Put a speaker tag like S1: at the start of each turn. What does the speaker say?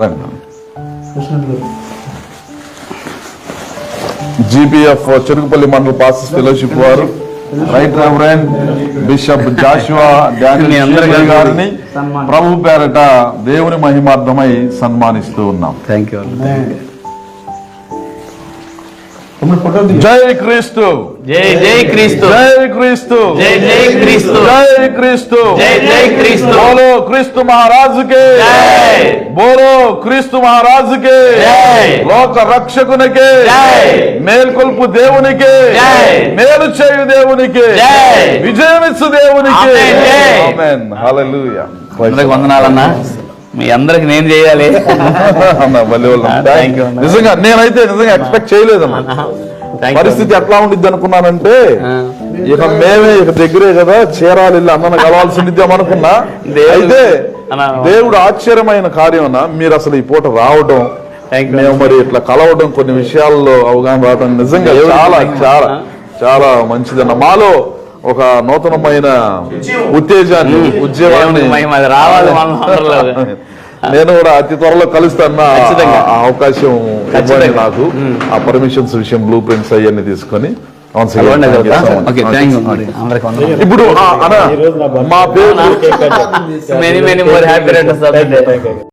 S1: GPF Cherukupalli మండల pastors fellowship వారు right reverend bishop Joshua Daniel గారిని ప్రభు పేరట దేవుని మహిమార్థమై సన్మానిస్తూ ఉన్నాం.
S2: Thank you.
S1: జై క్రీస్తు,
S2: జై జై క్రీస్తు,
S1: జై క్రీస్తు,
S2: జై జై క్రీస్తు,
S1: జై క్రీస్తు,
S2: జై జై క్రీస్తు.
S1: బోలో క్రీస్తు మహారాజుకే, బోలో క్రీస్తు మహారాజుకే, లోక రక్షకునికే, మేల్కొల్పు దేవునికే, మేలు చేయు దేవునికే, విజయమిచ్చు దేవునికే. ఆమేన్. హల్లెలూయా.
S2: వందనాలన్నా. మీ అందరికి నేను చేయాలి.
S1: నిజంగా నేనైతే నిజంగా ఎక్స్పెక్ట్ చేయలేదన్నా. పరిస్థితి ఎట్లా ఉండిద్ది అనుకున్నానంటే ఇక మేమే ఇక దగ్గరే కదా చేరాలి అన్న కలవాల్సి అనుకున్నా. అయితే దేవుడు ఆశ్చర్యమైన కార్యం అన్న, మీరు అసలు ఈ పూట రావడం, మేము మరి ఇట్లా కలవడం, కొన్ని విషయాల్లో అవగాహన రావడం నిజంగా చాలా చాలా చాలా మంచిదన్న. మాలో ఒక నూతనమైన ఉత్తేజాన్ని, ఉద్యమాన్ని
S2: రావాలి.
S1: నేను కూడా అతి త్వరలో కలుస్తాను. అవకాశం ఇవ్వండి నాకు. ఆ పర్మిషన్స్ విషయం, బ్లూ ప్రింట్స్ అవన్నీ తీసుకొని ఇప్పుడు మా పేరు